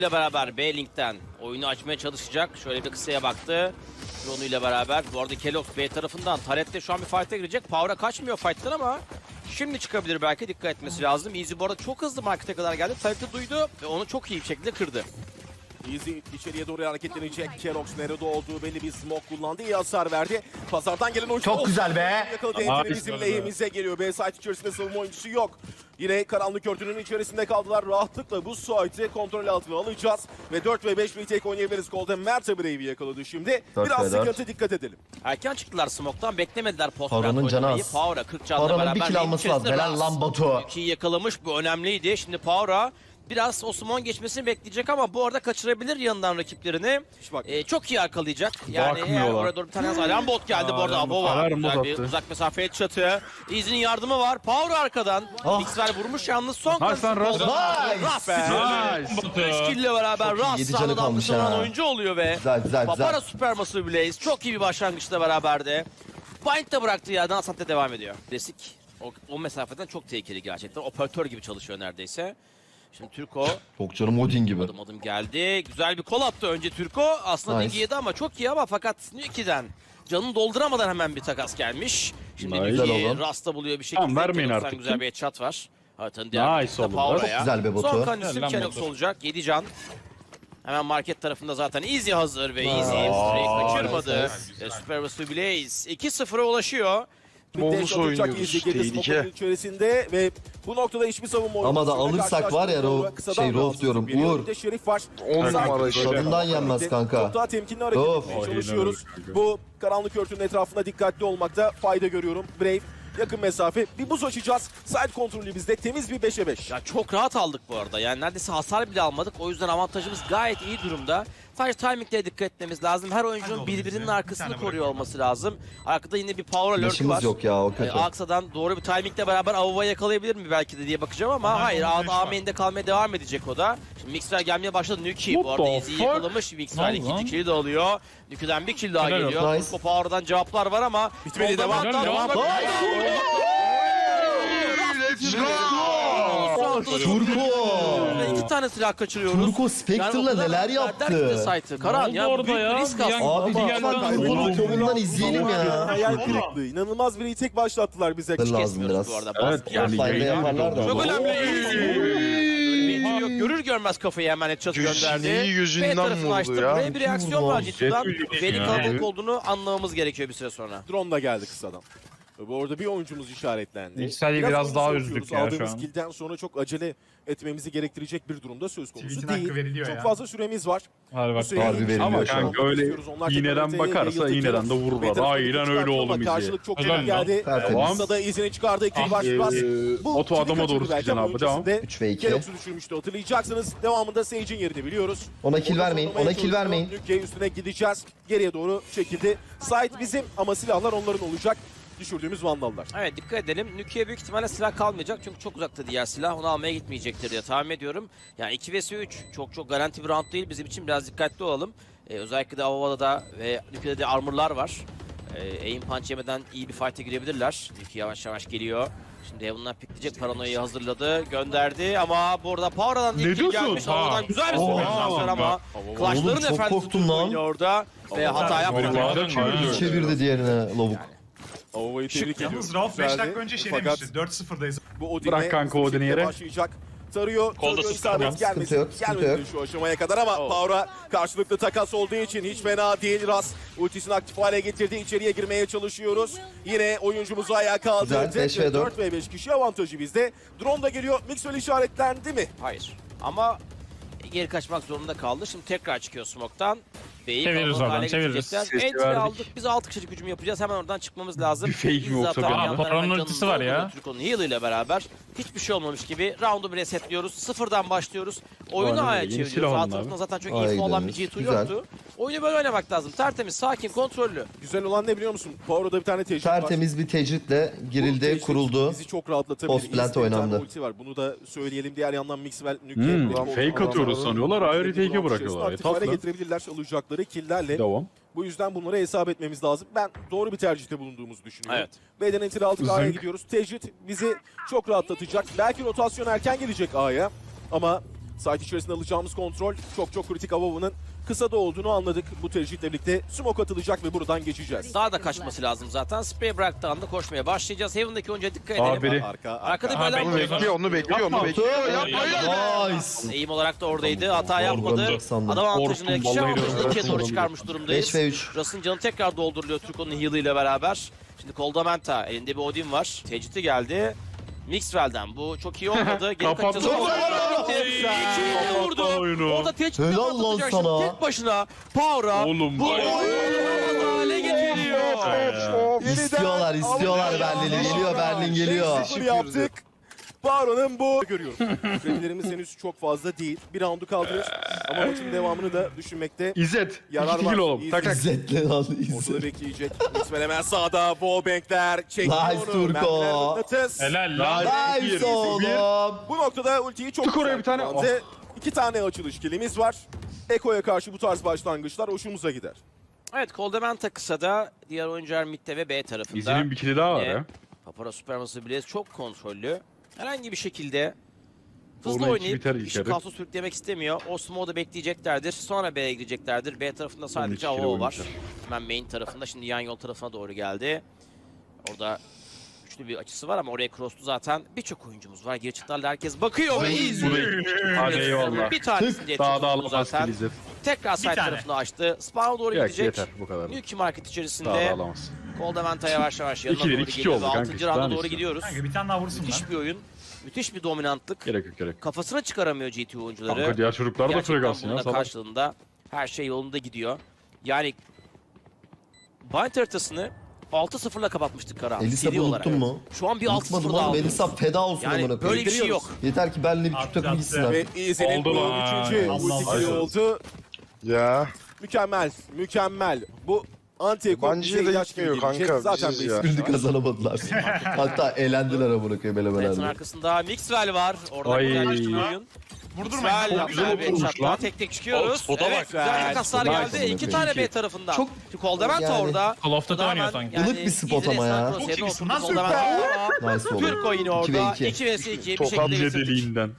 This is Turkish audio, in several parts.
ile beraber B-Link'ten oyunu açmaya çalışacak. Şöyle bir kısaya baktı. Drone ile beraber. Bu arada Kelox B tarafından. Taret de şu an bir fight'a girecek. Power'a kaçmıyor fight'tan ama şimdi çıkabilir belki. Dikkat etmesi lazım. Easy bu arada çok hızlı markete kadar geldi. Taret'i duydu ve onu çok iyi bir şekilde kırdı. Easy içeriye doğru hareketlenecek. Kelox nerede olduğu belli, bir smoke kullandı. İyi hasar verdi. Pazardan gelen oyuncu. Çok güzel be. Yakaladı entry bizim lehimize geliyor. B site içerisinde savunma oyuncusu yok. Yine karanlık örtünün içerisinde kaldılar. Rahatlıkla bu site'i kontrol altına alacağız. Ve 4 ve 5 retake oynayabiliriz. Golden Mert'e Brave'i yakaladı şimdi. 4 Biraz ve 4. sıkıntı, dikkat edelim. Erken çıktılar smoke'tan. Beklemediler post Paranın canı oynamayı. az. Power'a 40 canla Paranın beraber. bir kill alması lazım. Helal lan Batu. 2'yi yakalamış. Bu önemliydi. Şimdi Power'a biraz Osman geçmesini bekleyecek ama bu arada kaçırabilir yanından rakiplerini. Bak. Çok iyi arkalayacak. Yani eğer Bakmıyorlar. oraya doğru bir tane alarm bot geldi bu arada. Abo var. alarm Güzel bot bir attı. uzak mesafeye çatı. Easy'nin yardımı var. Power arkadan. Ah. Mixwell vurmuş yalnız son Nice lan Ras. Ras be. Nice. 3 kill ile beraber Çok iyi, Ras 7 canı sahada kalmış dalgasından ha. oyuncu oluyor ve Güzel güzel Papara güzel. Supermassive Blaze çok iyi bir başlangıçla beraberdi. Bind de bıraktığı yerden Asant'ta devam ediyor. Klasik o mesafeden çok tehlikeli gerçekten. Operatör gibi çalışıyor neredeyse. Şimdi Türko Çok canım Odin gibi. adım geldi. Güzel bir kol attı önce Türko. Aslında Nice. Digi yedi ama çok iyi ama fakat Nuki'den canını dolduramadan hemen bir takas gelmiş. Şimdi Nice. Güzel Nuki oğlum. Rasta buluyor bir şekilde. Tamam, vermeyin Kelox'tan artık. güzel bir headshot var. Haritanın diğer Nice tarafında oldu. Power'a Çok ya. güzel bir botu. Son kan isim Helal Kelox botu. olacak. 7 can. Hemen market tarafında zaten Easy hazır ve Easy Aa, Stray'i kaçırmadı. nice. Supermassive Blaze 2-0'a ulaşıyor. Bonus oynuyoruz. Tehlike. içerisinde ve bu noktada hiçbir savunma oyuncusu. Ama da alırsak var ya, Rauf diyorum, Uğur. Bir de Şerif var. 10 Sanki numara şöyle tadından yapalım. yenmez kanka. Çok daha temkinli hareket Of. etmeye Aynen çalışıyoruz. öyle kanka. Bu karanlık örtünün etrafında dikkatli olmakta fayda görüyorum. Brave yakın mesafe. Bir buz açacağız. Side kontrolü bizde. Temiz bir 5'e 5. Ya çok rahat aldık bu arada. Yani neredeyse hasar bile almadık. O yüzden avantajımız gayet iyi durumda. Sadece timinglere dikkat etmemiz lazım. Her oyuncunun birbirinin arkasını koruyor olması lazım. Arkada yine bir power alert var. Yaşımız yok ya, o kötü. Aksa'dan doğru bir timingle beraber Avova'yı yakalayabilir mi belki de diye bakacağım ama hayır. A main'de kalmaya devam edecek o da. Şimdi Mixwell gelmeye başladı. Nuki bu What arada the Easy'yi fuck? yakalamış. Mixwell Lan ikinci lan. kill'i de alıyor. Nuki'den bir kill daha Helal geliyor. olsun. Turko Power'dan cevaplar var ama Bitmedi, devam. Devam. Turko! İki tane silah kaçırıyoruz. Turko Spectre'la neler yaptı? Karan Ne ya oldu bu büyük orada bir ya? risk Bir aslında. an- Abi Baba, lütfen baba, Turko'nun kolundan izleyelim ya. Hayal kırıklığı. İnanılmaz bir retake başlattılar bize. Lazım Kesmiyoruz biraz. bu arada. Evet, Baskı yani Fayda yapıyoruz. yaparlar da. Çok önemli. Böyle bir ihtimal yok. Görür görmez kafayı hemen headshot gönderdi. Neyi gözünden B tarafını vurdu açtı. ya? Buraya bir reaksiyon var cidden. Jet Beni ya. kalabalık olduğunu anlamamız gerekiyor bir süre sonra. Drone da geldi kısadan. Bu arada bir oyuncumuz işaretlendi. Yüksel'i biraz daha oyuncu üzdük sokuyoruz. ya şu Aldığımız an. kill'den sonra çok acele etmemizi gerektirecek bir durumda söz konusu Tweet'in değil. hakkı veriliyor Çok ya. fazla süremiz var. Hadi Bu bak. süreyi Harbi iyi veriliyor Ama şu an. kanka öyle istiyoruz. Onlar iğneden tekrar bakarsa yayıldı. iğneden de vururlar. Ve tarafı Aynen çıkarttı öyle ama oğlum izle. Karşılık çok Helal çabuk lan. geldi. Tertemiz. Kısa da izini çıkardı. İkili başlamaz. Oto adama doğru sıkacaksın abi, devam. 3 ve 2. Kelox'u düşürmüştü, hatırlayacaksınız. Devamında Sage'in yerini biliyoruz. Ona kill Orada vermeyin, savunmaya ona kill çalışıyor. vermeyin. Nuke üstüne gideceğiz. Geriye doğru çekildi. Site bizim ama silahlar onların olacak. Düşürdüğümüz vandallar. Evet dikkat edelim. Nuki'ye büyük ihtimalle silah kalmayacak çünkü çok uzakta diğer silah. Onu almaya gitmeyecektir diye tahmin ediyorum. Yani 2 vs 3 çok garanti bir round değil. Bizim için biraz dikkatli olalım. Özellikle de Avova'da da ve Nuki'de de armorlar var. Aim punch yemeden iyi bir fight'e girebilirler. Nuki yavaş yavaş geliyor. Şimdi Heaven'dan pikleyecek, paranoyayı hazırladı, gönderdi ama burada Power'dan Ne ilk kill diyorsun? gelmiş. Ha. Havadan güzel bir Oha. transfer ama Oğlum, Clash'ların çok efendisi korktum lan. oynuyor orada ve hata yapmadı. Vallahi İyi çevirdi diğerine lavuk. Avova'yı tebrik ediyoruz. Yalnız Rauf 5 Güzeldi. dakika önce şey Fakat demişti. 4-0'dayız. bu Odin'e Bırak kanka hızlı Odin'i şekilde yere. başlayacak. Tarıyor, Kolda isabet sıkıntı gelmesin. yok, sıkıntı Gelmedi yok. şu aşamaya kadar ama Power'a karşılıklı takas olduğu için hiç fena değil. Ras ultisini aktif hale getirdi. İçeriye girmeye çalışıyoruz. Yine oyuncumuzu ayağa kaldırdı. Güzel, 5 ve 4. 4 ve 5 kişi avantajı bizde. Drone da geliyor. Mixwell işaretlendi mi? Hayır ama geri kaçmak zorunda kaldı. Şimdi tekrar çıkıyor smoke'tan. B'yi Çeviririz kalabalık oradan, hale çeviririz. getirecekler. Sesi Entry verdik. aldık. Biz 6 kişilik hücum yapacağız. Hemen oradan çıkmamız lazım. Bir fake mi Biz yoksa zaten bir yandan anda? hemen Paranın canını ultisi var ya. dolduruyor Türko'nun heal ile beraber. Hiçbir şey olmamış gibi round'u bir resetliyoruz. Sıfırdan başlıyoruz. Oyunu Aynen A'ya öyle. Yeni çeviriyoruz. silah A alın tarafında abi. zaten çok A'ya info olan bir gidiyoruz. G2 Güzel. yoktu. Oyunu böyle oynamak lazım. Tertemiz, sakin, kontrollü. Güzel olan ne biliyor musun? Power'da bir tane tecrübe var. Tertemiz bir tecritle Bu girildi, tecrübe kuruldu. Bizi çok rahatlatabilir. Post plant İzle, bir tane oynandı. ulti var. Bunu da söyleyelim. Diğer yandan Mixwell, Nuke. Fake atıyoruz sanıyorlar, ayrı retake'e bırakıyorlar. Aktif hale Tatlı. getirebilirler alacakları killlerle. Devam. Bu yüzden bunlara hesap etmemiz lazım. Ben doğru bir tercihte bulunduğumuzu düşünüyorum. Evet. B'den enter aldık, A'ya Zınk. gidiyoruz. Tecrit bizi çok rahatlatacak. Belki rotasyon erken gelecek A'ya ama Site içerisinde alacağımız kontrol çok kritik. Avova'nın kısa da olduğunu anladık. Bu tercihle birlikte smoke atılacak ve buradan geçeceğiz. Daha da kaçması lazım zaten. Spray bıraktığı anda koşmaya başlayacağız. Heaven'daki oyuncuya dikkat edelim. Biri. Arkada Ha, böyle onu bekliyor, onu bekliyor, onu bekliyor. Nice. Eğim olarak da oradaydı. Hata yapmadı. Vurdu sandım. Adam avantajını, Korktum, kişi vallahi avantajını öyle. ikiye doğru çıkarmış durumdayız. 5 ve 3. Russ'ın canı tekrar dolduruluyor Turco'nun heal'ı ile beraber. Şimdi Koldamenta, elinde bir Odin var. Tecidi geldi. Mixwell'den bu çok iyi olmadı. Geri Kapattı. kaçacağız. İkiyi vurdu. oyunu. Orada Tecidi Helal lan sana. tek başına. Power'a Oğlum bu vay. oyunu hale getiriyor. İstiyorlar Berlin'i. Geliyor Berlin geliyor. 5-0 yaptık. Baron'un bu görüyorum. Kredilerimiz henüz çok fazla değil. Bir roundu kaldırır ama maçın devamını da düşünmekte İzzet. yarar 2 var. kilo oğlum. İyi Tak tak. İzzetle lan ortada İzzet. bekleyecek. İsmail hemen sağda. Wallbank'ler çekiyor Nice onu. Turko. Mermiler mıknatıs. Helal lan. Nice oğlum. Bu noktada ultiyi çok Tık oraya güzel bir tane. kullandı. 2 tane açılış kilimiz var. Eko'ya karşı bu tarz başlangıçlar hoşumuza gider. Evet, Koldamenta kısada, diğer oyuncular midde ve B tarafında. İzzet'in bir kili daha var ya. Papara Supermassive Blaze çok kontrollü. Herhangi bir şekilde hızlı Orman içi oynayıp biter işi ilk kaosu sürüklemek istemiyor. O smoke'u bekleyeceklerdir. Sonra B'ye gideceklerdir. B tarafında sadece Onun iki AWO var. kere Hemen main tarafında. Şimdi yan yol tarafına doğru geldi. Orada güçlü bir açısı var ama oraya cross'tu zaten. Birçok oyuncumuz var. Geri çıktılarla herkes bakıyor ve izliyor. Hadi eyvallah. Bir tanesini diye Daha da çıktı alamaz zaten. ki İzzet. Tekrar side tane. tarafını açtı. Spawn'a doğru Yok gidecek. yeter bu kadar. Nuki Market Daha da içerisinde alamaz. Koldamenta yavaş yavaş yanına İkileri doğru iki geliyor ve oldu kanka, 6. işte rounda daha ne doğru istiyorsun? gidiyoruz. Kanka bir tane daha vursun lan. Müthiş bir oyun. Müthiş bir dominantlık. Gerek yok. Kafasına çıkaramıyor GT oyuncuları. Kanka diğer çocuklar da Gerçekten frekansın bunun ya. da Salak. karşılığında her şey yolunda gidiyor. Yani Bind haritasını 6-0'la kapatmıştık Karahan. Elisa seri olarak. unuttun mu? Şu an bir Unutmadım 6-0 daha oğlum. alıyoruz. Elisa feda olsun amına Yani koyayım. böyle bir şey yok. Yeter ki Berlin'e bir Türk takımı Attı. gitsinler. Ve Easy'nin Oldu bu lan. 3. Allah ulti Allah. kili oldu. Ya Mükemmel. Bu anti-ekol bence bize de ilaç gitmiyor gibi gelecek. kanka, Zaten biziz bir ya. isim Birini var. kazanamadılar. Hatta eğlendiler amına koyayım Fight'ın elemelerde. arkasında Mixwell var. Orada Ay. güzel bir oyun. Vurdurmayın. Mixwell Çok güzel hatta bir oturmuş çatlağa lan. tek tek çıkıyoruz. Spota Evet, bak. güzel takaslar Spota geldi. bak. 2 tane B Çok- tarafından. çok- Koldamenta yani- orada. Call of Duty oynuyor sanki. Ilık bir spot ama ya. Çok iyisin lan, süper. Nice oldu. Türko yine 2 ve orada. 2. 2 vs 2 bir Tokat şekilde Hamle bitirdik. deliğinden.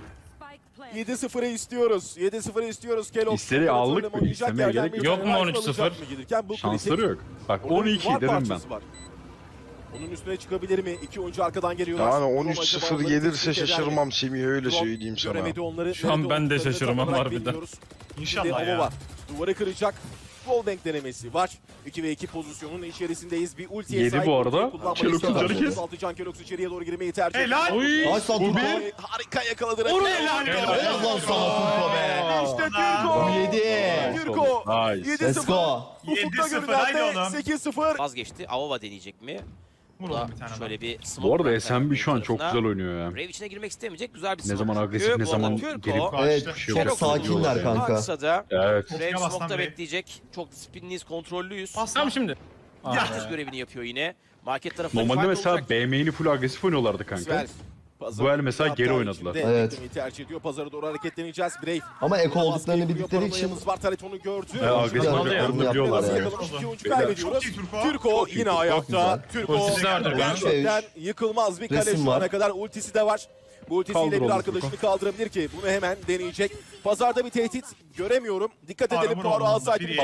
7-0'ı istiyoruz. 7-0'ı istiyoruz. Kellogg İsteri aldık mı? oynayacak İstemeye yerden gerek bir yok. Yok tane mu rifle 13-0? alacak mı gelirken bu Şansları kritik. yok. Bak Orada bir 12 var dedim ben. parçası var. Onun üstüne çıkabilir mi? İki oyuncu arkadan geliyorlar. yani Roma 13-0 acaba onları gelirse tespit eder mi? şaşırmam Semih, öyle Drone söyleyeyim sana. göremedi onları. Şu an Nerede ben de olduklarını tam şaşırmam olarak harbiden. bilmiyoruz. İnşallah Şimdi ya. Avova duvarı kıracak. Wallbang denemesi var. 2 ve 2 pozisyonun içerisindeyiz. Bir ultiye Yedi sahip. bu arada. ultiyi kullanmayı Kelox'un istiyor. canı kes. Altıcan Kelox içeriye doğru girmeyi tercih ediyor. Helal. Oy. Nice lan Turko. Harika yakaladı. Helal. Helal lan sana Turko be. İşte Türko. 7. Türko. Nice. 7-0. Let's go. Ufukta 7-0, görünen haydi de oğlum. 8-0. Vazgeçti. Avova deneyecek mi? Vur Bu da oğlum bir tane daha. şöyle bir smoke Bu arada bıraktı SMB şu an çok tarafına. güzel oynuyor ya. Brave içine girmek istemeyecek. Güzel bir Ne smoke. zaman agresif, çıkıyor. ne Bu zaman arada Türko, gelip Evet Bir şey çok yok. sakinler kanka. Kısada Evet. Brave Bastan smoke'da Brave. bekleyecek. Çok disiplinliyiz, kontrollüyüz. Tamam şimdi. Herkes görevini yapıyor yine. Market tarafında Normalde fight mesela olacak. B main'i full agresif oynuyorlardı kanka. Svel. Bu el mesela geri oynadılar. Evet. Tercih ediyor. Pazara doğru hareketleneceğiz. Brave. Ama eko olduklarını Baskıyı bildikleri kuruyor, için paranoyamız var. Taret onu gördü. agresif Biraz oynadıklarını yaptılar biliyorlar yani. yani. Yakalamış, iki oyuncu Çok kaybediyoruz. iyi Türko. Türko yine ayakta. Türko Ultisi de vardır galiba. gerçekten yıkılmaz bir kale Resim şu ana var. kadar. Ultisi de var. Bu ultisiyle Kaldır bir oğlum arkadaşını kaldırabilir ki bunu hemen deneyecek. Pazarda bir tehdit göremiyorum. Dikkat edelim. Armor Poirot olmadı. alsaydı. Biri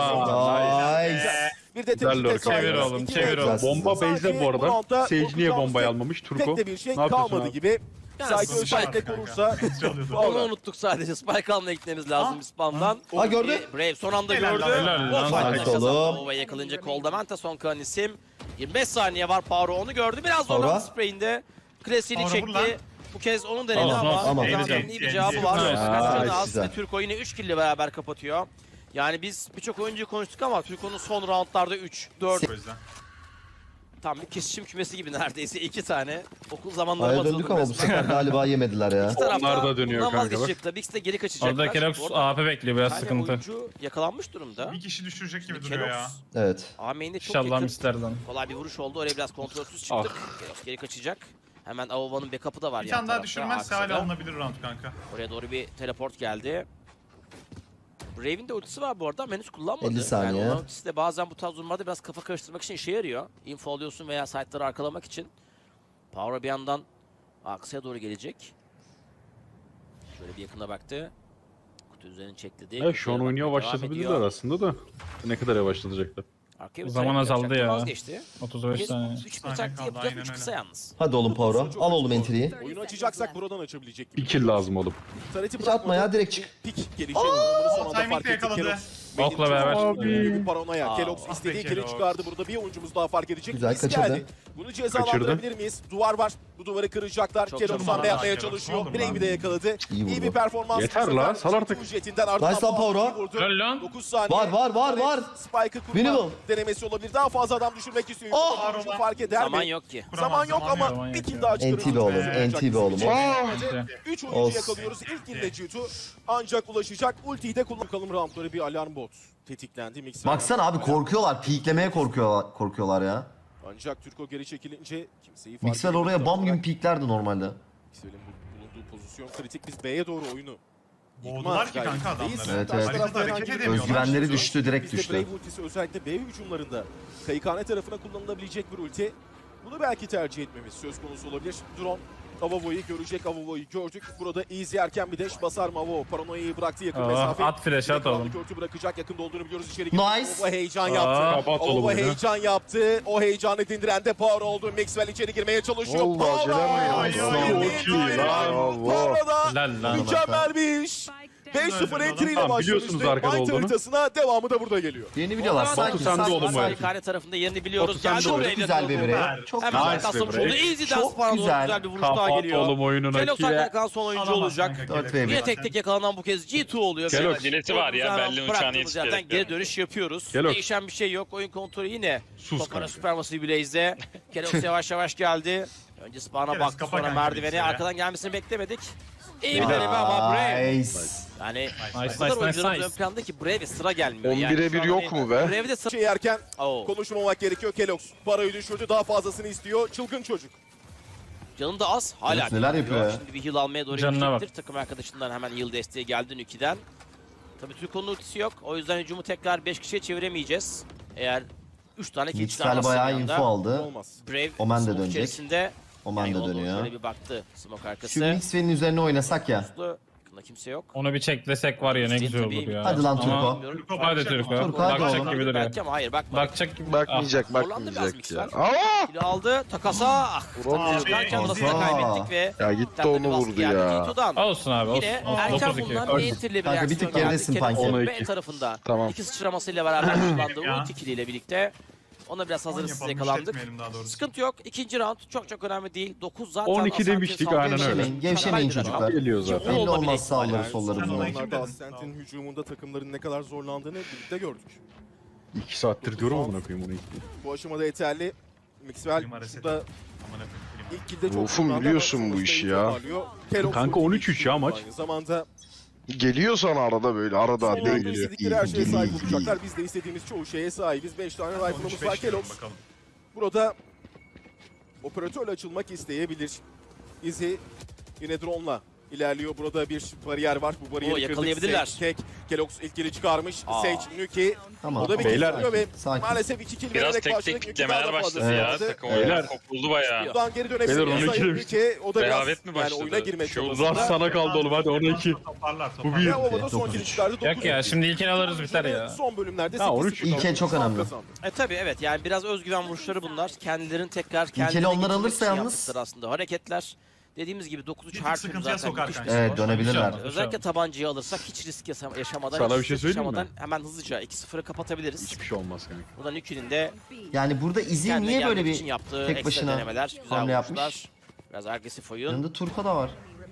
Nice. Bir de Güzel tehdit lurk. Çevir oğlum, çevir oğlum. Bomba base'de bu arada. Sage niye bombayı almamış? Turko. Pek de bir şey Ne yapıyorsun kalmadı abi? gibi. Yani Saygı Spike özellikle kanka. korursa. Onu unuttuk sadece. Spike almaya gitmemiz lazım bir spamdan. Ha gördü. Brave son anda Helal gördü. lan, helal lan. O fight'ı Nice kazandı. oğlum. Ova'ya yakalayınca Koldamenta son kalan isim. 25 saniye var. Power onu gördü. Biraz Power. zorlandı sprayinde. Klasiğini Power vur lan. çekti. Bu kez onun denedi Olsun, ama olsun. Ama. Koldamanta'nın iyi bir cevabı var. Nice. Kaçırdı Nice, az güzel. ve Türko yine 3 kill ile beraber kapatıyor. Yani biz birçok oyuncuyu konuştuk ama Türko'nun son roundlarda 3, 4 O yüzden. tam bir kesişim kümesi gibi neredeyse 2 tane. Okul zamanları Aya döndük ama bu sefer galiba yemediler ya. İki tarafta Onlar da dönüyor bundan kanka, bak. vazgeçecekler. İkisi de geri kaçacaklar. Orada Kelox Bu arada AP bekliyor, biraz bir tane sıkıntı. oyuncu yakalanmış durumda. Bir kişi düşürecek gibi Kelox, duruyor ya. Evet. A-main'de çok İnşallah yakın. misterden. Kolay bir vuruş oldu. Oraya biraz kontrolsüz çıktık. Kelox geri kaçacak. Hemen Avova'nın backup'ı da var. Bir yan tane daha tarafta, düşürmezse arkada. hala alınabilir round kanka. Oraya doğru bir teleport geldi. Brave'in de ultisi var bu arada ama henüz kullanmadı. 50 saniye. Yani onun ultisi de bazen bu tarz durumlarda biraz kafa karıştırmak için işe yarıyor. Info alıyorsun veya site'ları arkalamak için. Power bir yandan aksaya doğru gelecek. Şöyle bir yakına baktı. Kutu üzerine çekledi. Evet, şu an oyunu yavaşlatabilirler aslında da. Ne kadar yavaşlatacaklar? Arkaya bir Zaman tarayıp azaldı yapacaktı, ya. Vazgeçti. 35 saniye. 3 Saniye taktiği kaldı, yapacak, aynen 3 öyle. kısa yalnız. Hadi oğlum Power'a. Al oğlum entry'yi. Oyunu açacaksak buradan açabilecek gibi. Bir kill lazım oğlum. Tareti Hiç atma ya, direkt çık. Pik gelişecek. Bunu son anda timing fark de ettik. yakaladı. Kelox Okla beraber. bir paranoya. Aa. Kelox Ah istediği be kili Kelox. çıkardı. Burada bir oyuncumuz daha fark edecek. Güzel, Biz kaçırdı. geldi. Bunu cezalandırabilir miyiz? Duvar var. Bu duvarı kıracaklar. Çok Kelox çok hamle numara yapmaya var Kelox. çalışıyor. Ne olur Brave'i lan. de yakaladı. İyi İyi vurdu. bir performans. Yeter bu sefer. lan, sal artık. G2 jetinden ardından Nice lan bu Power'a. atmayı vurdu. Helal lan. 9 saniye. Var. Spike'ı kurma Minimum. denemesi olabilir. Daha fazla adam düşürmek istiyor. Oh! Oyuncu fark eder Zaman mi? yok ki. Zaman yok ama Zaman bir yok kill ya. daha çıkarır. NT be oğlum, NT be oğlum. Güzel. 3 oyuncu Olsun. yakalıyoruz. İlk kill'de G2 ancak ulaşacak. Ultiyi de kullanalım. Roundları bir alarm bot tetiklendi. Mixer Baksana abi korkuyorlar. Peeklemeye korkuyorlar ya. Ancak Türko geri çekilince kimseyi fark Mixwell edemedi. oraya bam gibi peeklerdi normalde. Mixwell'in bulunduğu pozisyon kritik. Biz B'ye doğru oyunu Boğdular ki kanka gayretindeyiz. adamları. Evet, Karşı evet. tarafta Hareket herhangi bir edemiyorlar. Özgüvenleri düştü, direkt Bizde düştü. Brave ultisi özellikle B hücumlarında Kayıkhane tarafına kullanılabilecek bir ulti. Bunu belki tercih etmemiz söz konusu olabilir. Drone Avavo'yu görecek. Avavo'yu gördük. Burada easy erken bir dash basar mı Avavo? Paranoya'yı bıraktı yakın Aa, mesafe. at flash, at oğlum. Örtü bırakacak. Yakında olduğunu biliyoruz. İçeri Nice. girdi. Avavo heyecan Aa, yaptı. kapat oğlum Avavo oyunu. heyecan yaptı. O heyecanı dindiren de Power oldu. Maxwell içeri girmeye çalışıyor. Vallahi acelem mi ya? Çok iyi lan. Power'da Helal lan. mükemmel bir iş. 5-0 entry ile Tamam, başlamıştı. biliyorsunuz arkada Mind olduğunu. haritasına devamı da burada geliyor. Yeni biliyorlar. Batu Sakin sende oğlum sakin. bu sakin. Kayıkhane tarafında yerini biliyoruz. Batu sen Geldi de oraya Çok güzel bir yakaladı. birey. Çok Hemen güzel. arkasına Nice be vurdu. break. Easy Çok dance falan güzel. güzel bir vuruş daha Kapat geliyor. oğlum oyununa Kelox kile. zaten kalan son oyuncu olacak. 4 ve 1. Yine tek tek yakalanan bu kez G2 oluyor. Kelox. Acilesi var ya, belli uçağını Bıraktığımız yerden yetiştirerek. geri dönüş yapıyoruz. Kelox. Değişen bir şey yok. Oyun kontrolü yine. Sus Toplara kanka. Supermassive Blaze'de. Kelox yavaş yavaş geldi. Önce spawn'a Kelox baktı, kapa sonra kanka merdivene. bilgisayara. Arkadan gelmesini beklemedik. İyi bir deneme ama Brave. Nice. Yani Nice, o kadar nice, oyuncuların nice. ön planda ki Brave'e sıra gelmiyor. 11'e şu 1 an yok hani mu be? Brave'de sıra... Şey yerken Oo. konuşmamak gerekiyor. Kelox parayı düşürdü. Daha fazlasını istiyor. Çılgın çocuk. Canı da az. Hala Evet, neler yapıyor ya? Şimdi bir heal almaya doğru Canına gidecektir. Takım arkadaşından hemen heal desteği geldi Nuki'den. Tabii Türko'nun ultisi yok. O yüzden hücumu tekrar 5 kişiye çeviremeyeceğiz. Eğer 3 tane kill Mixwell çıkarmazsa bayağı bir anda. info aldı. Olmaz. Brave Omen de smoke dönecek. içerisinde. Omen de yola doğru dönüyor. Şöyle bir baktı smoke arkası. Şu Mixwell'in üzerine oynasak ya. Yakında kimse yok. Onu bir çeklesek var ya ne güzel olur ya. Hadi lan Ama- Turko. Bilmiyorum. Turko Hadi bakacak Turko. mı? Turko, hadi Bakacak oğlum. gibi duruyor. Belki ama hayır bakma. Bakacak gibi. Bakmayacak, Zorlandı biraz bakmayacak Mixwell. ya. Aa! Kilo aldı. Takasa. Ah. Vuramıyor. Çıkarken Abi, orasını da Oha. kaybettik ve Ya gitti Senden onu bir baskı vurdu geldi ya. G2'dan. Olsun abi olsun. Yine olsun. erken 9-2. bulunan Olsun. Enter ile bir Kanka, bir tık reaksiyon geridesin geldi. Panki. Kelox'un 10'a B 2. tarafında. Tamam. İki sıçramasıyla beraber kullandığı Ya. ulti kiliyle birlikte. Ona biraz hazırlıksız Yapalım, yakalandık. işletmeyelim daha doğrusu. Sıkıntı yok. İkinci round çok önemli değil. 9 zaten 12 Asante demiştik, saldırı aynen öyle. Gevşemeyin, gevşemeyin Mükemmel bir çocuklar. rakam. Geliyor zaten. Belli Olma bile olmaz ihtimali sağları var. solları Sen bunlar. olayı- Onlarda dedin? Ascent'in hücumunda takımların ne kadar zorlandığını birlikte gördük. 2 saattir diyorum amına koyayım onu. Bu aşamada yeterli. Mixwell Klima reset. şurada Amına koyayım, klima. ilk kilde çok Wolf'um zorlandı biliyorsun ama bu sonuçta işi iyi ya. toparlıyor. Kelox Kanka ulti 13-3 ya maç. Aynı zamanda Geliyor sana arada böyle arada son değil. oyunda istedikleri her şeye İyi, sahip iyi, olacaklar. Biz de istediğimiz çoğu şeye sahibiz. 5 tane rifle'ımız 13-5 var. diyorum, Kelox bakalım. burada operatörle açılmak isteyebilir. Izzy yine drone'la ilerliyor. Burada bir bariyer var. Bu bariyeri Oo, kırdık. yakalayabilirler. Sage tek. Kelox ilk kili çıkarmış. Aa. Sage, Nuki. Tamam. O da bir Beyler, kill alıyor ve sakin. maalesef 2 kill Biraz vererek tek başladık. tek Nuki daha kitlemeler da fazla başladı ya. sayıda. Takım Beyler. oyunu kopuldu bayağı. Buradan geri Beyler, dönebiliriz. ona Sayın girmiş. Nuki. O da biraz Rehavet mi yani başladı? oyuna girmek Şey oldu. zorunda. Zas sana kaldı oğlum hadi 12. Toparlar Bu toparlar. bir. Ve Ova'da son 9-3. kill çıkardı. Yok ya şimdi ilkini alırız biter ya. Son bölümlerde Ha, 13 8-0 İlke çok önemli. kazandı. Tabii evet yani biraz özgüven vuruşları bunlar. Kendilerini tekrar İlkeli kendilerine onlar getirmek alırsa için yalnız- yaptıkları aslında hareketler. Dediğimiz gibi 9-3 Bir her tık türlü sıkıntıya zaten sokar müthiş bir kanka. Evet, skor. dönebilirler. Özellikle tabancayı alırsak hiç risk yaşamadan, Sana hiç bir şey stres söyleyeyim mi? yaşamadan hemen hızlıca 2-0'ı kapatabiliriz. Hiçbir şey olmaz kanka. Burada Nuki'nin de Yani burada Izzy kendine niye böyle gelmek bir için yaptığı tek ekstra başına denemeler, güzel hamle vuruşlar. yapmış? Biraz agresif oyun. Yanında Turko da var.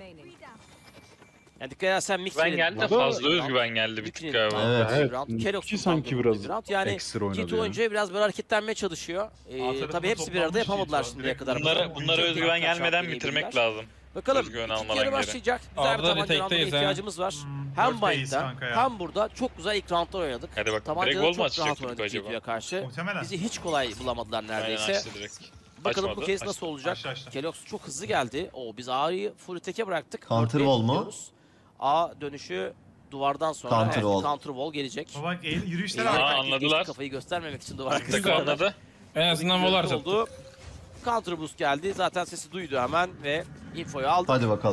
Yani dikkat edersen Ben Mixwell'in geldi de fazla özgüven geldi bir tık galiba. Evet. Evet. Kelox'un sanki kullandığı biraz bir round. Yani ekstra oynadı G2 ya. oyuncuya biraz böyle hareketlenmeye çalışıyor. Alt Tabii hepsi bir arada toplanmış yapamadılar G2. şimdiye Direkt kadar. Bunlara Çok özgüven iyi gelmeden atak bitirmek yapabilirler. lazım. Bakalım Özgüven ikinci almadan yarı geri. başlayacak. Güzel bir Arda tabanca retake'teyiz rounduna ha. ihtiyacımız var. Hem Dört base Bind'den kanka ya. hem burada çok güzel ilk roundlar oynadık. Hadi bak, direkt Tabancada gol mü çok atacak rahat Turko oynadık acaba? G2'ye karşı. Muhtemelen. Bizi hiç kolay bulamadılar Aynen neredeyse. açtı direkt. Bakalım bu Açmadı, kez açtı. nasıl olacak. Açtı. Kelox çok hızlı geldi. Biz A'yı full teke bıraktık. Counter 4-1 wall mu? gidiyoruz. A dönüşü duvardan sonra Counter wall. counter wall gelecek. Bak yürüyüşler Aa, harika. anladılar. Kafayı göstermemek için duvar Tık arkasında. anladı. En azından volar oldu. Counter boost geldi. Zaten sesi duydu hemen ve infoyu aldı. Hadi bakalım.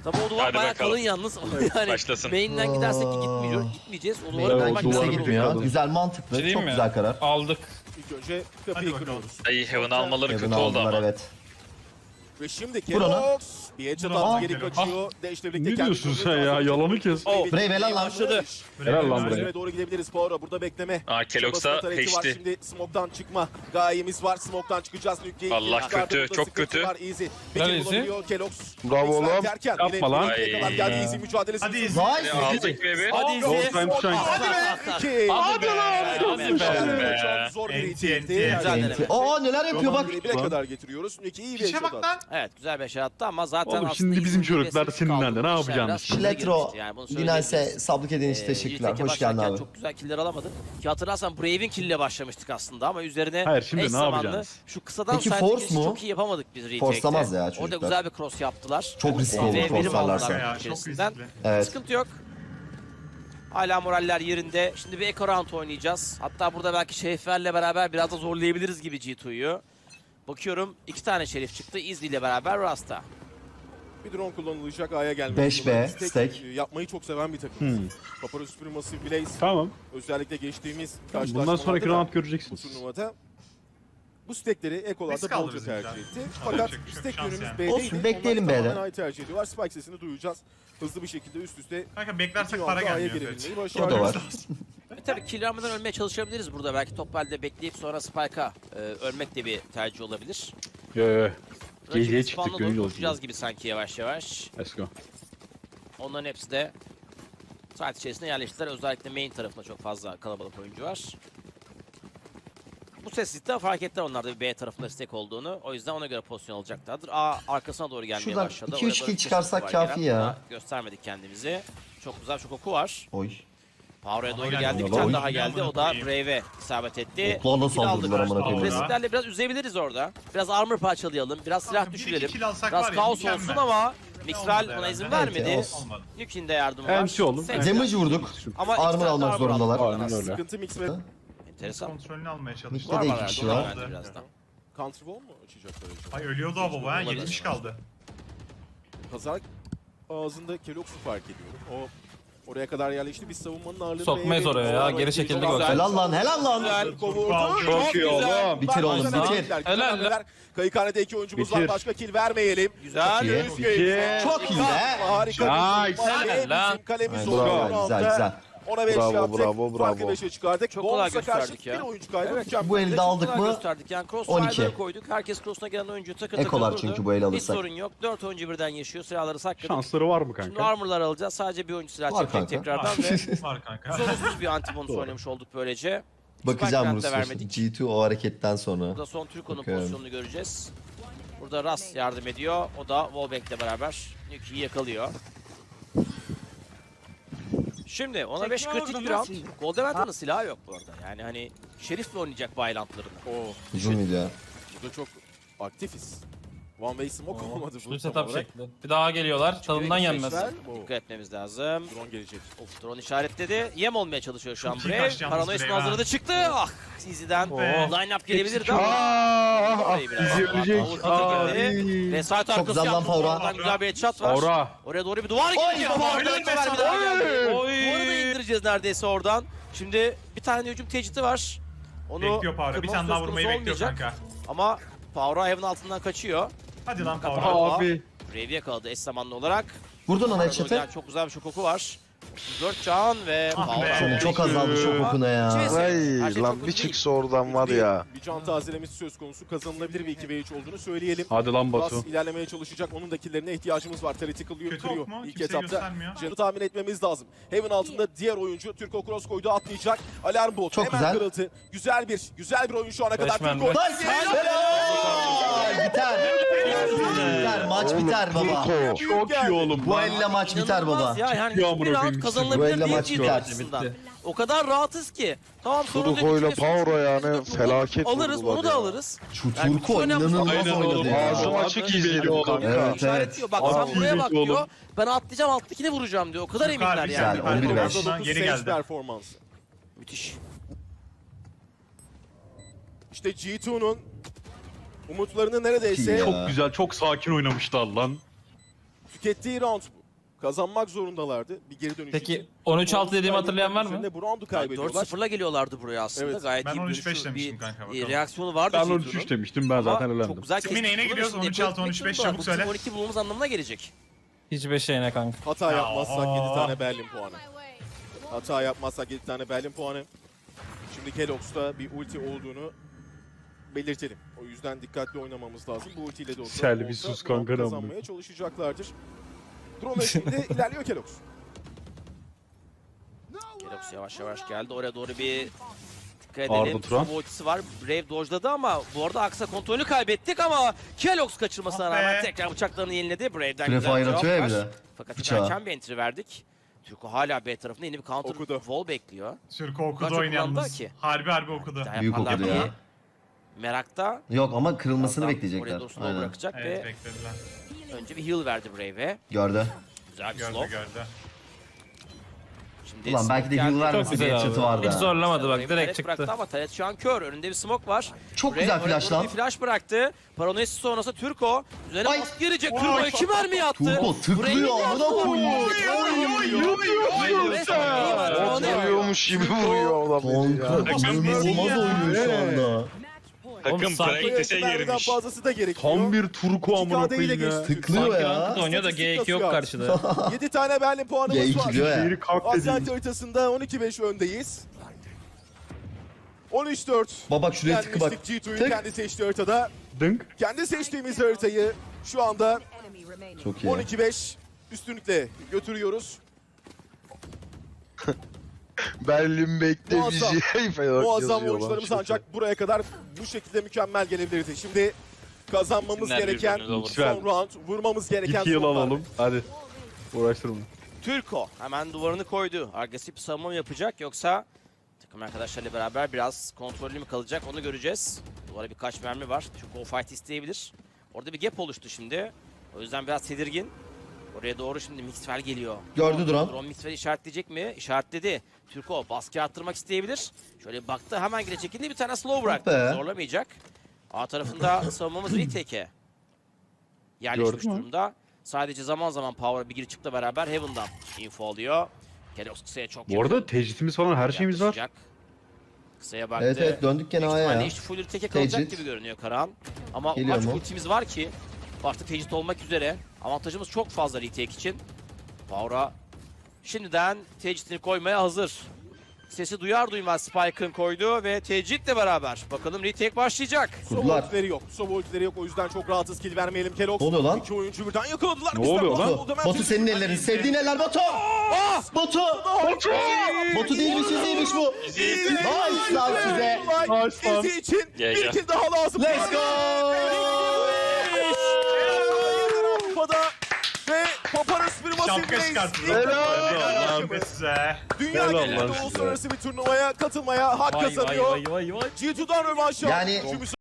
Tabii o duvar Hadi bayağı bakalım. kalın yalnız. Yani Başlasın. main'den gidersek ki gitmeyeceğiz. O duvarı Evet, kırmak kimse duvarı lazım. gitmiyor. kaldı. Güzel, mantıklı. Şey diyeyim Çok mi? güzel karar. Aldık. İlk önce kapıyı Hadi bakalım. kırıyoruz. Ay Heaven'ı almaları Evini kötü oldu aldılar ama. evet. Ve şimdi Vur onu. Kelox bir headshot Vur onu. attı, geri kaçıyor. Dash'le birlikte Ne kendi diyorsun sen kontrolünü ya? aldı. Yalanı kes. Oh, Brave helal lan. başladı. Helal lan buraya. Çözüme doğru gidebiliriz. Poirot burada bekleme. Kelox'a Çabasında tarafı var. peşti. Şimdi smoke'tan çıkma gayemiz var. Smoke'tan çıkacağız. Nükleyi Allah çıkardı. kötü, Burada çok sıkıntı kötü. var. Easy. Bir Helal kill Easy. bulabiliyor Kelox. Bravo Next'ten lan. derken Yapma yine lan. Nükle'ye kadar geldi. Easy mücadelesi. Hadi sürdü. Easy. Nice. Aldık ve Hadi All Easy. time shine. Hadi be. İki. Hadi lan. Be. Çok zor bir NT. itildi. Güzel deneme. Aa neler yapıyor bak. Bire kadar getiriyoruz. Nükle iyi bir Piçe headshot bak attı. lan. Evet güzel bir şey attı ama zaten Oğlum aslında şimdi bizim iyi çocuklar bir seninle de ne kaldı. yapacağını Biraz düşünüyor. şurada Şiletro, girmişti yani, bunu Dinalse söyleyebiliriz. sablık ediğin için teşekkürler. Lig'deki Hoş geldin başlarken abi. Çok güzel killer alamadık. Ki hatırlarsan Brave'in kill'le başlamıştık aslında ama üzerine Hayır, şimdi eş ne zamanlı yapacağız? Şu kısadan Peki side force girişi mu? çok iyi yapamadık biz retake'te. Forcelamaz ya Orada çocuklar. güzel bir cross yaptılar. Çok riskli olur V1'i forcelarlarsa. aldılar Ya, çok içerisinden. riskli. Evet. Sıkıntı yok. Hala moraller yerinde. Şimdi bir eco round oynayacağız. Hatta burada belki Şeriflerle beraber biraz da zorlayabiliriz gibi G2'yu. Bakıyorum 2 tane Şerif çıktı. Izzy ile beraber Rasta. Bir drone kullanılacak A'ya gelmek. 5B, Stack stack. yapmayı çok seven bir takım. Paparazzi Supremacy Blaze Tamam. özellikle geçtiğimiz Bundan karşılaşmalarda sonraki da round bu göreceksiniz. turnuvada bu stackleri ekolarda Risk aldı bolca bizimkiler. tercih etti. Alacak Fakat bir şey yok, stack şans yönümüz yani. B'deydi. Olsun, bekleyelim Onlar B'de. tamamen A'yı tercih ediyorlar. Spike sesini duyacağız. Hızlı bir şekilde üst üste Kanka beklersek iki para roundda A'ya gelmiyor. girebilmeyi O da başardılar. var. Tabii kill almadan ölmeye çalışabiliriz burada. Belki top halde bekleyip sonra Spike'a ölmek de bir tercih olabilir. Yo yo. Rakibin Gece'ye spawn'a çıktık doğru gönül koşacağız olsun. gibi sanki yavaş yavaş. Let's go. Onların hepsi de saat içerisinde yerleştiler. Özellikle main tarafında çok fazla kalabalık oyuncu var. Bu sessizlikte fark ettiler onlar da bir B tarafında stack olduğunu. O yüzden ona göre pozisyon alacaklardır. A arkasına doğru gelmeye Şuradan başladı. 2-3 Oraya kill doğru bir çıkarsak kesinlik var kafi gelen. ya. Daha göstermedik kendimizi. Çok güzel çok oku var. Oy. Power'a doğru geldi. geldi. Bir Oy. tane daha geldi. O da Oy. Brave'e isabet etti. Oklarla Kill aldık. saldırdılar amına koyayım. Agresif. Agresiflerle biraz üzebiliriz orada. Biraz armor parçalayalım. Biraz silah Kanka, bir iki düşürelim. kill alsak Biraz var ya, kaos mükemmel. olsun ama Mixwell Olmadı ona izin herhalde. vermedi. Evet, Olmadı. Nuke'in de yardımı var. Enti oğlum. 80. Damage vurduk. Ama Armor iki tane almak armor zorundalar. aldılar. Aynen öyle. Sıkıntı mix ve Enteresan. Kontrolünü almaya çalıştık. Mid'de de iki Var kişi var. var. Bence birazdan. counter wall mu açacaklar acaba? Ay ölüyordu o baba ha. Olabilir. 70 kaldı. Pazar ağzında Kelox'u fark ediyorum. O oraya kadar yerleşti. Biz savunmanın ağırlığını Sokmayız oraya ya, geri çekildik o. Helal lan helal lan. Güzel. Çok iyi oğlum. Bitir oğlum, bitir. Helal. Kayıkhanede iki oyuncumuz var. Bitir. Başka kill vermeyelim. Güzel. Çok iyi. Özgür. Çok iyi be. Harika. Nice. Helal. Kalemiz Aynen, oldu. bravo, güzel güzel. Ona 5 Bravo, yaptık. bravo, Farkı bravo. 5'e çıkardık. Çok kolay Bonus'a karşı gösterdik ya. bir oyuncu kaydı. Evet. Mükemmel. Bu elde aldık Çok güzel mı? gösterdik. Yani 12. crossfire'ları koyduk. Herkes cross'una gelen oyuncu takır takır Ekolar vurdu. çünkü bu eli Hiç alırsak. sorun yok. 4 oyuncu birden yaşıyor. Silahları sakladık. Şansları var mı Şimdi kanka? armor'lar alacağız. Sadece bir oyuncu silah Var çekecek kanka. tekrardan ve Var kanka. sorunsuz bir anti-bonus oynamış olduk böylece. Bakacağım Spike'den de Rusya. vermedik. G2 o hareketten sonra. Burada son Türko'nun Bakıyorum. pozisyonunu göreceğiz. Burada Ras yardım ediyor. O da Wallback'le beraber Nuke'yi yakalıyor. Şimdi ona 5 kritik bir round. Goldeman'ın silahı yok bu arada. Yani hani Şerif'le oynayacak Violent'larını. Hücum ya. Burada çok aktifiz. One way smoke olmadı bu Şu tam setup olarak. şekli. Bir daha geliyorlar. Tadından yenmez. Dikkat etmemiz lazım. Drone gelecek. Of, drone işaretledi. Yem olmaya çalışıyor şu an Çok iyi Brave. kaçtı yalnız Paranoyasını Brave ha. hazırladı çıktı. Ah Easy'den line-up gelebilirdi ama. Aaa. Orayı biraz Bizi ölecek. daha girdi. Ve side arkası güzel lan yaptı. Power'a. Oradan güzel bir headshot var. Aura. Oraya doğru bir duvar gidiyor. Power'dan hiç vermedi. Duvarı da indireceğiz neredeyse oradan. Şimdi bir tane hücum tecidi var. Onu Bekliyor Power'a. Bir kırmamız tane daha söz vurmayı konusu bekliyor olmayacak. kanka. Ama Power'a evin altından kaçıyor. Hadi lan Power. Power. Abi. Brave'i yakaladı eş zamanlı olarak. Vurdun ona Orada headshot'ı. gelen çok güzel bir şokoku var. 4 can ve Ah be. Power. Çok azaldı şu kokuna ya. Her şey Ay çok lan hızlı bir değil. çıksa oradan var ya. Bir can tazelemesi söz konusu. Kazanılabilir bir 2v3 olduğunu söyleyelim. Hadi lan Ras Batu. ilerlemeye çalışacak. Onun da killlerine ihtiyacımız var. Tactical Kötü kırıyor ok mu? ilk Kimse etapta. göstermiyor. Canı tahmin etmemiz lazım. Heaven altında diğer oyuncu Türko Cross koydu, atlayacak. Alarm bot Çok hemen güzel. kırıldı. Güzel bir oyun şu ana kadar. Beşmen Türko. be. Nice. Helal. Biter. Biter. Maç biter baba. Turko. Çok iyi oğlum. Bu elle maç biter baba. İnanılmaz ya yani Ya hiçbir amına round koyayım, Bu kazanılabilir elle değil maç G2 biter. açısından. O kadar rahatız ki. Tamam sorun Turko ile Power'a yani felaket alırız vurdular onu da ya. alırız. Şu Yani Turko bütün önemli inanılmaz Aynen oynadı oğlum. ya. Ağzım açık izledim kanka. Evet, İşaretliyor. Bak Abi, sen buraya bak oğlum. diyor. Ben atlayacağım alttakine vuracağım diyor. O kadar Çok eminler harbi yani. güzel, 11-5. Orada dokuz Geri stage geldi. performansı. Müthiş. İşte G2'nun umutlarını neredeyse Ya. Çok güzel, çok sakin oynamışlar lan. Tükettiği round bu. Kazanmak zorundalardı bir geri dönüş Peki için. 13-6 dediğimi hatırlayan var mı? Üzerinde bu roundu kaybediyorlar. 4-0'la geliyorlardı buraya aslında. Evet. Gayet Ben iyi 13-5 dönüşü, demiştim bir kanka, bakalım. reaksiyonu vardı. Ben G2'nun. 13-3 demiştim ben zaten Ama elendim. çok güzel Kimin neyine kestik. gidiyoruz? Şimdi 13-6, Black 13-5 Panther'da çabuk bu söyle. bizim 12 bulmamız anlamına gelecek. Hiç 5 şeyine kanka. Hata Ya, yapmazsak 7 aa. tane Berlin puanı. Hata yapmazsak 7 tane Berlin puanı. Şimdi Kelox'ta bir ulti olduğunu belirtelim. O yüzden dikkatli oynamamız lazım. Bu ultiyle de olsa, Selvi olsa sus round kanka, kazanmaya çalışacaklardır. Drone eşliğinde ilerliyor Kelox. Kelox yavaş yavaş geldi. Oraya doğru bir dikkat Arda edelim. Turan. Smoke ultisi var. Brave dojladı ama bu arada Aksa kontrolünü kaybettik ama Kelox kaçırmasına Ah be. rağmen tekrar bıçaklarını yeniledi. Brave'den Prefire güzel cevap atıyor ya var. bir de. Fakat Bıçağı. erken bir entry verdik. Türko hala B tarafında yeni bir counter Okudu. wall bekliyor. Türk Kaç okudu oyun kullandı yalnız. ki? Harbi okudu. Daha Büyük yaparlar okudu diye ya. Merakta. Yok ama kırılmasını Oraya bekleyecekler. doğru slow Aynen. bırakacak Evet ve beklediler. önce bir heal verdi Brave'e. Gördü. Güzel bir Gördü slow. gördü. Şimdi Ulan belki de smoke heal geldi. vermese Çok güzel diye abi. çıtı vardı. Hiç ha. zorlamadı bak Brave direkt taret çıktı. bıraktı ama Taret şu an kör. Önünde bir smoke var. Çok Brave güzel oraya flash doğru lan. bir flash bıraktı. Paranoyası sonrası Türko. Üzerine Ay. baskı gelecek. Turbo 2 mermi attı. Turbo tıklıyor amına koyuyor. Oturuyormuş gibi vuruyor adam beni ya. Kanka inanılmaz oynuyor şu anda. Takım sanki practice'e Mermiden girmiş. fazlası da gerekiyor. Tam bir turku amına 2K'da ile koyayım ya. geçti. Tıklıyor Sanki ya. ranked oynuyor da G2 yok karşıda. 7 tane Berlin puanımız G2 var. diyor ya. Şehri kalk Asyant dediğim. haritasında 12-5 öndeyiz. 13-4. Baba bak şuraya tıkı bak. Yenmiştik G2'yu Tık. kendi seçtiği haritada. Dınk. Kendi seçtiğimiz haritayı şu anda Çok iyi. 12-5 üstünlükle götürüyoruz. Berlin bekle Muazzam. bizi. Muazzam oyuncularımız ancak buraya kadar bu şekilde mükemmel gelebilirdi. Şimdi kazanmamız Günler gereken birbirine olur. son round, vurmamız gereken Git yıl son round. alalım. Hadi. Uğraştırma. Türko hemen duvarını koydu. Agresif bir savunma mı yapacak yoksa takım arkadaşlarıyla beraber biraz kontrollü mü kalacak onu göreceğiz. Duvara birkaç mermi var. Türko o fight isteyebilir. Orada bir gap oluştu şimdi. O yüzden biraz tedirgin. Oraya doğru şimdi Mixwell geliyor. Gördü Duran. Drone Mixwell'i işaretleyecek mi? İşaretledi. Türko baskı arttırmak isteyebilir. Şöyle bir baktı hemen geri çekildi. Bir tane slow bıraktı. be. Zorlamayacak. A tarafında savunmamız retake'e yerleşmiş Gördün mü? durumda. Sadece zaman zaman Power'a bir gir çıkla beraber Heaven'dan info alıyor. Kelox kısaya çok Bu arada tecritimiz falan her şeyimiz var. yaklaşacak. Kısaya baktı. Evet evet döndük gene Büyük A'ya ihtimalle ya. işte full retake kalacak Tecrit. gibi görünüyor Karahan. Ama o Geliyor kadar çok mu? ultimiz var ki artık tecrit olmak üzere. Avantajımız çok fazla retake için. Power'a şimdiden tecritini koymaya hazır. Sesi duyar duymaz Spike'ın koydu ve tecritle beraber bakalım retake başlayacak. Sova Kurdular. ultileri yok. Sova ultileri yok. O yüzden çok rahatız kill vermeyelim Kelox. Ne oluyor lan? İki oyuncu birden yakaladılar. Ne Bizden oluyor lan? oldu. Hemen Batu senin ellerin. Sevdiğin eller Batu. Batu. Batu değilmiş değilmiş bu. Nice lan size. Nice lan. Sizi için Ya, bir ya. kill daha lazım. Let's go. Avrupa'da ve Paparos bir Şapka çıkarttı. Helal size. Dünya Helal genelinde lan size. uluslararası bir turnuvaya katılmaya hak kazanıyor. vay. G2'dan rövanş Yani- aldı.